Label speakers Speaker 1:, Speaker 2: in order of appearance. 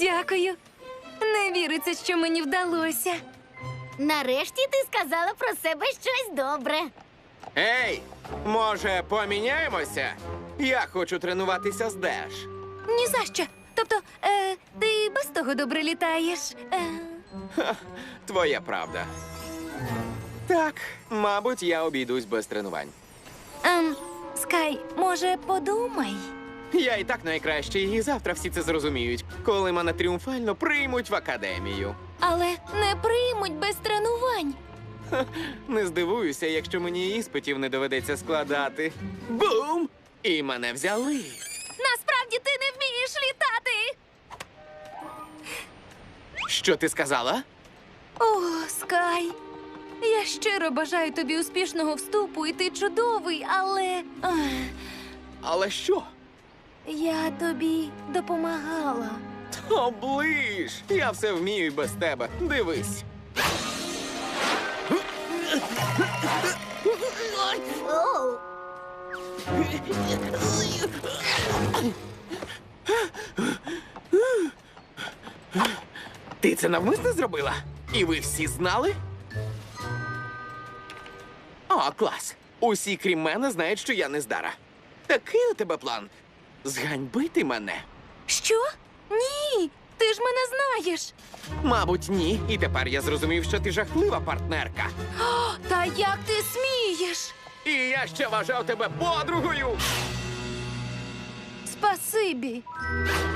Speaker 1: Дякую. Не віриться, що мені вдалося.
Speaker 2: Нарешті ти сказала про себе щось добре.
Speaker 3: Ей, може, поміняємося? Я хочу тренуватися з Деш.
Speaker 1: Ні за що. Тобто, ти без того добре літаєш.
Speaker 3: Твоя правда. Так, мабуть, я обійдусь без тренувань.
Speaker 1: Скай, може, подумай?
Speaker 3: Я і так найкращий, і завтра всі це зрозуміють, коли мене тріумфально приймуть в академію.
Speaker 1: Але не приймуть без тренувань.
Speaker 3: Не здивуюся, якщо мені іспитів не доведеться складати. Бум! І мене взяли.
Speaker 1: Насправді ти не вмієш літати.
Speaker 3: Що ти сказала?
Speaker 1: О, Скай, я щиро бажаю тобі успішного вступу, і ти чудовий, але
Speaker 3: Але що?
Speaker 1: я тобі допомагала.
Speaker 3: Оближ! Я все вмію і без тебе. Дивись.
Speaker 2: Оу.
Speaker 3: Ти це навмисно зробила? І ви всі знали? О, клас. Усі, крім мене, знають, що я нездара. Такий у тебе план? Зганьбити мене?
Speaker 1: Що? Ні, ти ж мене знаєш.
Speaker 3: Мабуть, ні. І тепер я зрозумів, що ти жахлива партнерка.
Speaker 1: Та як ти смієш?
Speaker 3: І я ще вважав тебе подругою.
Speaker 1: Спасибі.